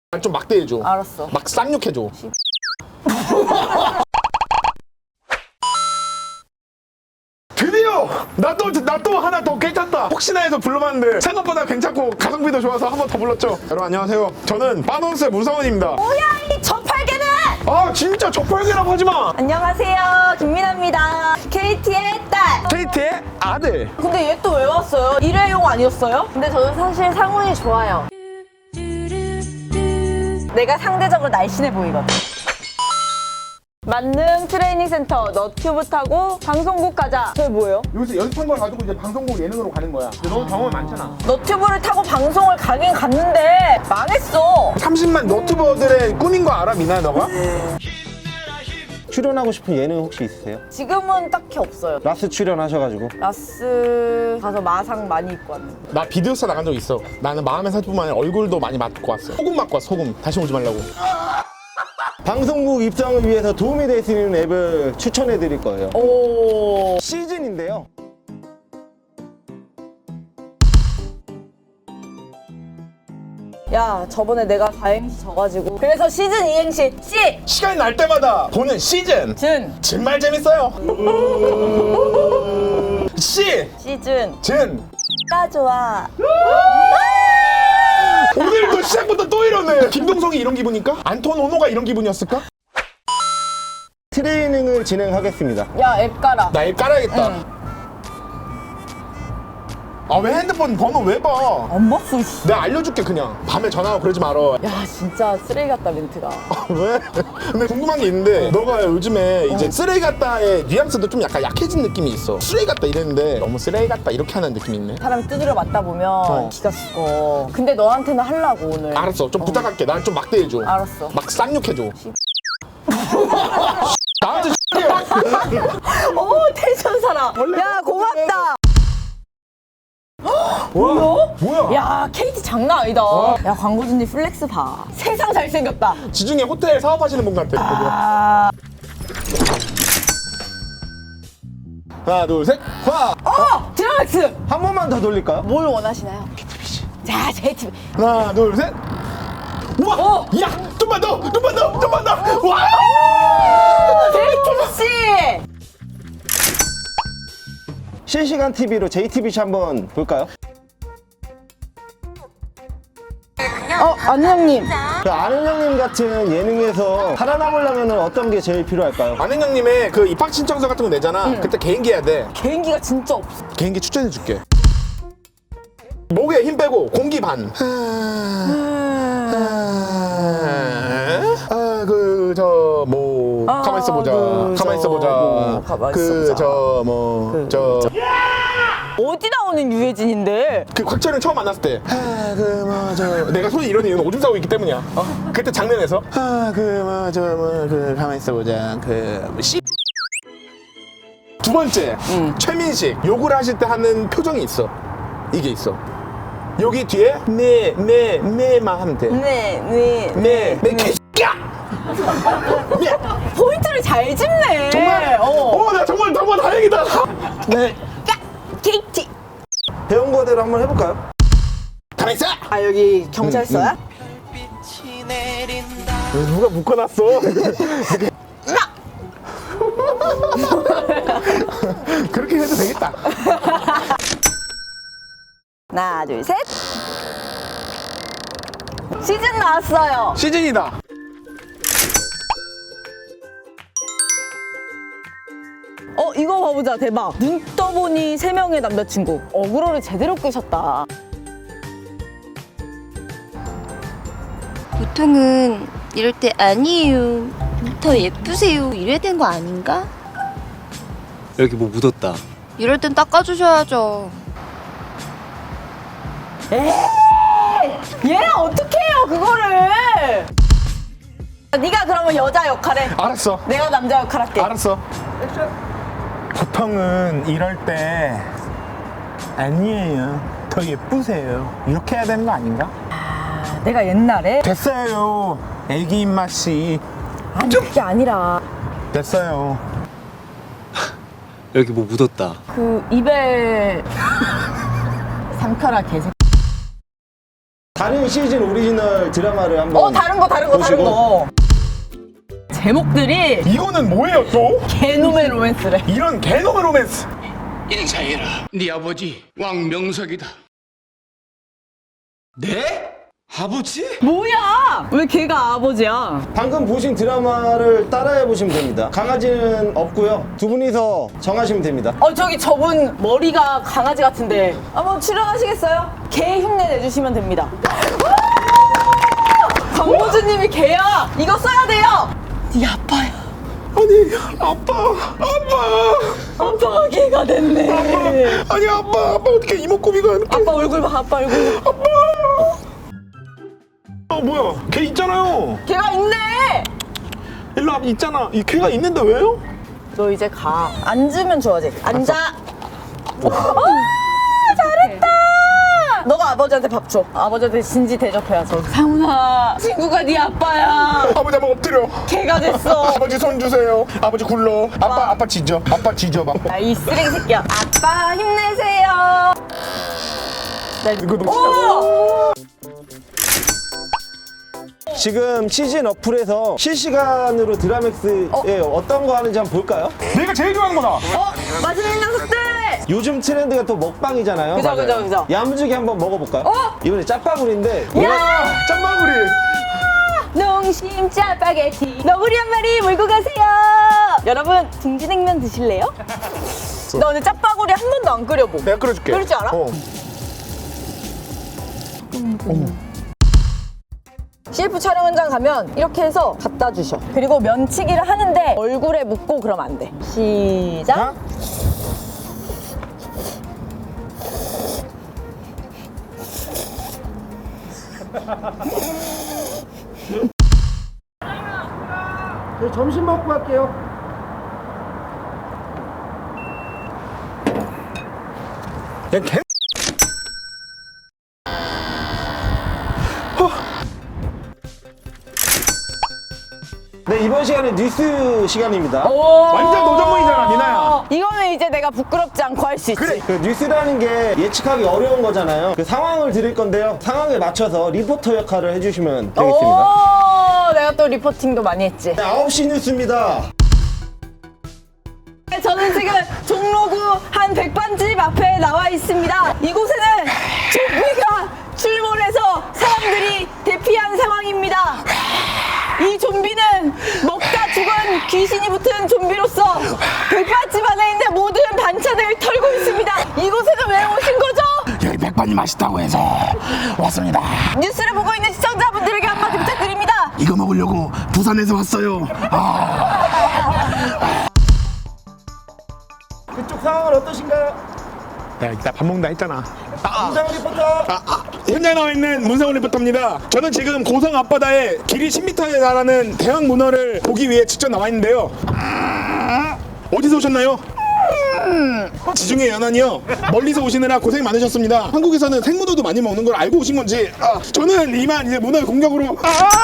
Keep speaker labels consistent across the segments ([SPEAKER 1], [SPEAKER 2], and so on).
[SPEAKER 1] 좀 막대해줘.
[SPEAKER 2] 알았어.
[SPEAKER 1] 막 쌍욕해줘. 드디어! 나 또 하나 더 괜찮다. 혹시나 해서 불러봤는데 생각보다 괜찮고 가성비도 좋아서 한 번 더 불렀죠. 여러분 안녕하세요. 저는 빠노스의 문성원입니다.
[SPEAKER 2] 뭐야 이 저팔계는!
[SPEAKER 1] 아 진짜 저팔계라고 하지마.
[SPEAKER 2] 안녕하세요, 김민아입니다. KT의 딸.
[SPEAKER 1] KT의 아들.
[SPEAKER 2] 근데 얘 또 왜 왔어요? 일회용 아니었어요? 근데 저는 사실 상훈이 좋아요. 내가 상대적으로 날씬해 보이거든. 만능 트레이닝 센터 너튜브 타고 방송국 가자. 저게 뭐예요?
[SPEAKER 1] 여기서 연습한 걸 가지고 이제 방송국 예능으로 가는 거야. 근데 너 경험이 많잖아.
[SPEAKER 2] 너튜브를 타고 방송을 가긴 갔는데 망했어.
[SPEAKER 1] 30만 너튜버들의 꿈인 거 알아, 미나야 너가?
[SPEAKER 3] 출연하고 싶은 예능 혹시 있으세요?
[SPEAKER 2] 지금은 딱히 없어요.
[SPEAKER 3] 라스 출연하셔가지고.
[SPEAKER 2] 라스 가서 마상 많이 입고 왔는데.
[SPEAKER 1] 나 비디오스타 나간 적 있어. 나는 마음의 상처뿐만 아니라 얼굴도 많이 맞고 왔어. 소금 맞고 왔어, 소금. 다시 오지 말라고.
[SPEAKER 3] 방송국 입장을 위해서 도움이 될 수 있는 앱을 추천해 드릴 거예요.
[SPEAKER 2] 오.
[SPEAKER 3] 시즌인데요.
[SPEAKER 2] 야, 저번에 내가 4행시 져가지고. 그래서 시즌 2행시 C!
[SPEAKER 1] 시간이 날 때마다 보는 시즌.
[SPEAKER 2] 준.
[SPEAKER 1] 정말 재밌어요. 시,
[SPEAKER 2] 시즌.
[SPEAKER 1] 진.
[SPEAKER 2] 나 좋아.
[SPEAKER 1] 오늘도 시작부터 또 이러네. 김동성이 이런 기분일까? 안톤 오노가 이런 기분이었을까?
[SPEAKER 3] 트레이닝을 진행하겠습니다.
[SPEAKER 2] 야, 앱 깔아.
[SPEAKER 1] 나 앱 깔아야겠다.
[SPEAKER 2] 응.
[SPEAKER 1] 아 왜 핸드폰 번호 왜 봐?
[SPEAKER 2] 안 봤어, 씨.
[SPEAKER 1] 내가 알려줄게 그냥. 밤에 전화하고 그러지 말아.
[SPEAKER 2] 야, 진짜 쓰레기 같다, 멘트가.
[SPEAKER 1] 왜? 근데 궁금한 게 있는데 너가 요즘에 이제 쓰레기 같다의 뉘앙스도 좀 약간 약해진 느낌이 있어. 쓰레기 같다 이랬는데 너무 쓰레기 같다 이렇게 하는 느낌이 있네.
[SPEAKER 2] 사람이 두드려 맞다 보면 기가 죽어. 근데 너한테는 하려고, 오늘.
[SPEAKER 1] 알았어. 좀 부탁할게. 날 좀 막대해줘.
[SPEAKER 2] 알았어.
[SPEAKER 1] 막 쌍욕해줘. 나한테
[SPEAKER 2] 오, 텐션 살아. 야, 고맙다.
[SPEAKER 1] 뭐야?
[SPEAKER 2] 야, KT 장난 아니다. 야, 광고주님 플렉스 봐. 세상 잘생겼다.
[SPEAKER 1] 지중해 호텔 사업하시는 분 같아.
[SPEAKER 2] 아,
[SPEAKER 1] 하나 둘 셋. 화.
[SPEAKER 2] 드라마스.
[SPEAKER 3] 한 번만 더 돌릴까요?
[SPEAKER 2] 뭘 원하시나요? 자, JTB.
[SPEAKER 1] 하나 둘 셋. 우와. 야, 좀만 더. 와.
[SPEAKER 2] JTB 씨.
[SPEAKER 3] 실시간 TV로 JTBC 한번 볼까요?
[SPEAKER 2] 안녕님.
[SPEAKER 3] 그 아는 형님 같은 예능에서 살아남으려면 어떤 게 제일 필요할까요?
[SPEAKER 1] 아는 형님의 그 입학 신청서 같은 거 내잖아. 그때 개인기 해야 돼.
[SPEAKER 2] 개인기가 진짜 없어.
[SPEAKER 1] 개인기 추천해줄게. 목에 힘 빼고 공기 반. 가만 있어 보자.
[SPEAKER 2] 어디 나오는 유해진인데?
[SPEAKER 1] 그 곽철은 처음 만났을 때 내가 손이 이런 이유는 오줌 싸고 있기 때문이야. 그때 장면에서 가만 있어 보자. 두 번째 최민식 욕을 하실 때 하는 표정이 있어. 이게 있어. 여기 뒤에 네만 하면 돼. 네 개새끼야.
[SPEAKER 2] 포인트를 잘 짚네.
[SPEAKER 1] 정말 나 정말 다행이다. 네.
[SPEAKER 2] KT.
[SPEAKER 3] 배운 거대로 한번 해볼까요?
[SPEAKER 1] 가만 있어.
[SPEAKER 2] 아, 여기 경찰서야?
[SPEAKER 1] 누가 묶어놨어? 그렇게 해도 되겠다.
[SPEAKER 2] 하나, 둘, 셋. 시즌 나왔어요.
[SPEAKER 1] 시즌이다.
[SPEAKER 2] 이거 봐보자. 대박. 눈 떠보니 3명의 남자친구. 어그로를 제대로 끄셨다.
[SPEAKER 4] 보통은 이럴 때 아니에요. 더 예쁘세요. 이래야 되는 거 아닌가?
[SPEAKER 5] 여기 뭐 묻었다.
[SPEAKER 4] 이럴 땐 닦아주셔야죠.
[SPEAKER 2] 얘랑 어떻게 해요, 그거를? 네가 그러면 여자 역할 해.
[SPEAKER 1] 알았어.
[SPEAKER 2] 내가 남자 역할 할게.
[SPEAKER 1] 알았어. 보통은 이럴 때 아니에요. 더 예쁘세요. 이렇게 해야 되는 거 아닌가?
[SPEAKER 2] 내가 옛날에
[SPEAKER 1] 됐어요. 애기 입맛이.
[SPEAKER 2] 아니, 그게 아니라
[SPEAKER 1] 됐어요.
[SPEAKER 5] 여기 뭐 묻었다.
[SPEAKER 2] 그 이별 상처라 개새
[SPEAKER 3] 다른 시즌 오리지널 드라마를 한번
[SPEAKER 2] 다른 거
[SPEAKER 3] 보시고.
[SPEAKER 2] 제목들이
[SPEAKER 1] 이거는 뭐예요 또?
[SPEAKER 2] 개놈의 로맨스래.
[SPEAKER 1] 이런 개놈의 로맨스.
[SPEAKER 6] 인사해라. 네 아버지 왕명석이다. 네? 아버지?
[SPEAKER 2] 뭐야? 왜 걔가 아버지야?
[SPEAKER 3] 방금 보신 드라마를 따라해 보시면 됩니다. 강아지는 없고요. 두 분이서 정하시면 됩니다.
[SPEAKER 2] 저기 저분 머리가 강아지 같은데 한번 출연하시겠어요? 개 흉내 내주시면 됩니다. 강호주님이 개야. 이거 써야 돼요. 네 아빠야.
[SPEAKER 1] 아니 아빠.
[SPEAKER 2] 아빠가 개가 됐네.
[SPEAKER 1] 아니 아빠 어떻게 이목구비가 이렇게.
[SPEAKER 2] 아빠 얼굴 봐. 아빠 얼굴.
[SPEAKER 1] 뭐야 걔 있잖아요.
[SPEAKER 2] 개가 있네.
[SPEAKER 1] 일로 와 있잖아. 이 걔가 있는데 왜요?
[SPEAKER 2] 너 이제 가. 앉으면 좋아지. 앉아. 잘했다. 너가 아버지한테 밥 줘. 아버지한테 진지 대접해야지. 상훈아, 친구가 네 아빠야.
[SPEAKER 1] 아버지 한번 엎드려.
[SPEAKER 2] 개가 됐어.
[SPEAKER 1] 아버지 손 주세요. 아버지 굴러. 아빠 지져. 아빠 지져 봐.
[SPEAKER 2] 야, 이 쓰레기 새끼야. 아빠 힘내세요.
[SPEAKER 1] 이거 너무
[SPEAKER 3] 지금 시즌 어플에서 실시간으로 드라맥스에 어떤 거 하는지 한번 볼까요?
[SPEAKER 1] 내가 제일 좋아하는 거다.
[SPEAKER 2] 맛있는 녀석들.
[SPEAKER 3] 요즘 트렌드가 또 먹방이잖아요.
[SPEAKER 2] 그죠,
[SPEAKER 3] 맞아요.
[SPEAKER 2] 그죠, 그죠.
[SPEAKER 3] 야무지게 한번 먹어볼까요? 이번에 짜파구리인데
[SPEAKER 1] 야 짬바구리.
[SPEAKER 2] 농심 짜파게티. 너구리 한 마리 몰고 가세요. 여러분, 둥지냉면 드실래요? 나 오늘 짜파구리 한 번도 안 끓여보.
[SPEAKER 1] 내가 끓여줄게.
[SPEAKER 2] 끓일 줄 알아? CF 촬영 현장 가면 이렇게 해서 갖다 주셔. 그리고 면치기를 하는데 얼굴에 묻고 그러면 안 돼. 시작.
[SPEAKER 3] 점심 먹고 갈게요.
[SPEAKER 1] 야 개.
[SPEAKER 3] 네, 이번 시간은 뉴스 시간입니다.
[SPEAKER 1] 완전 노전문이잖아 미나야.
[SPEAKER 2] 이거는 이제 내가 부끄럽지 않고 할 수 있지.
[SPEAKER 1] 그래.
[SPEAKER 3] 그 뉴스라는 게 예측하기 어려운 거잖아요. 그 상황을 드릴 건데요. 상황에 맞춰서 리포터 역할을 해주시면 되겠습니다.
[SPEAKER 2] 내가 또 리포팅도 많이 했지.
[SPEAKER 3] 네, 9시 뉴스입니다.
[SPEAKER 2] 저는 지금 종로구 한 백반집 앞에 나와 있습니다. 이곳에는 좀비가 출몰해서 사람들이 대피한 상황입니다. 이 좀비는 먹다 죽은 귀신이 붙은 좀비로서 백반집 안에 있는 모든 반찬을 털고 있습니다. 이곳에는 왜 오신 거죠?
[SPEAKER 6] 여기 백반이 맛있다고 해서 왔습니다.
[SPEAKER 2] 뉴스를 보고 있는 시청자분들에게 한마디 부탁드립니다.
[SPEAKER 6] 이거 먹으려고 부산에서 왔어요.
[SPEAKER 3] 그쪽 상황은 어떠신가요?
[SPEAKER 1] 내가 이따 밥 먹는다 했잖아.
[SPEAKER 3] 김상훈 리포터.
[SPEAKER 1] 현장에 나와 있는 문상훈 리포터입니다. 저는 지금 고성 앞바다에 길이 10m에 달하는 대형 문어를 보기 위해 직접 나와 있는데요. 어디서 오셨나요? 지중해 연안이요. 멀리서 오시느라 고생 많으셨습니다. 한국에서는 생문어도 많이 먹는 걸 알고 오신 건지 저는 이만 이제 문어의 공격으로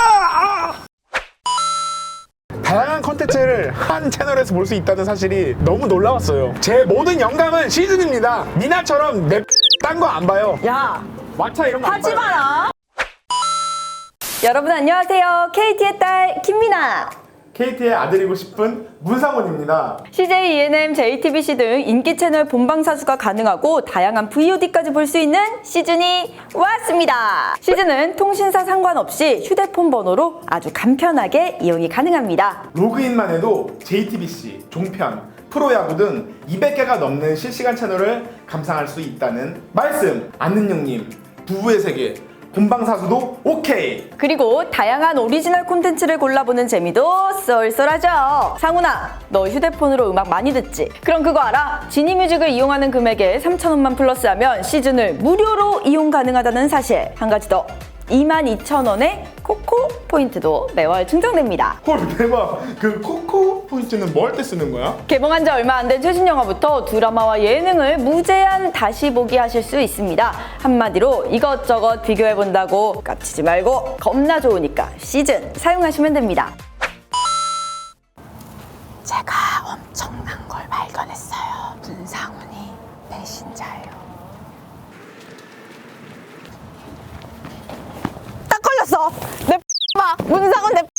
[SPEAKER 1] 다양한 컨텐츠를 한 채널에서 볼 수 있다는 사실이 너무 놀라웠어요. 제 모든 영감은 시즌입니다. 미나처럼 딴 거 안 봐요.
[SPEAKER 2] 야,
[SPEAKER 1] 왓챠 이런 거 안
[SPEAKER 2] 하지
[SPEAKER 1] 봐요.
[SPEAKER 2] 마라. 여러분 안녕하세요. KT의 딸 김미나.
[SPEAKER 1] KT의 아들이고 싶은 문상훈입니다.
[SPEAKER 2] CJ, ENM, JTBC 등 인기 채널 본방사수가 가능하고 다양한 VOD까지 볼 수 있는 시즌이 왔습니다. 시즌은 통신사 상관없이 휴대폰 번호로 아주 간편하게 이용이 가능합니다.
[SPEAKER 1] 로그인만 해도 JTBC, 종편, 프로야구 등 200개가 넘는 실시간 채널을 감상할 수 있다는 말씀. 안는영님, 부부의 세계, 본방사수도 오케이.
[SPEAKER 2] 그리고 다양한 오리지널 콘텐츠를 골라보는 재미도 쏠쏠하죠. 상훈아, 너 휴대폰으로 음악 많이 듣지? 그럼 그거 알아? 지니뮤직을 이용하는 금액에 3,000원만 플러스하면 시즌을 무료로 이용 가능하다는 사실. 한 가지 더. 22,000원의 코코 포인트도 매월 충전됩니다.
[SPEAKER 1] 헐 대박. 그 코코 포인트는 뭐 할 때 쓰는 거야?
[SPEAKER 2] 개봉한 지 얼마 안 된 최신 영화부터 드라마와 예능을 무제한 다시 보기 하실 수 있습니다. 한마디로 이것저것 비교해본다고 깝치지 말고 겁나 좋으니까 시즌 사용하시면 됩니다. 제가 엄청난 걸 발견했어요. 문상훈이 배신자예요. 내 봐. 문상은 내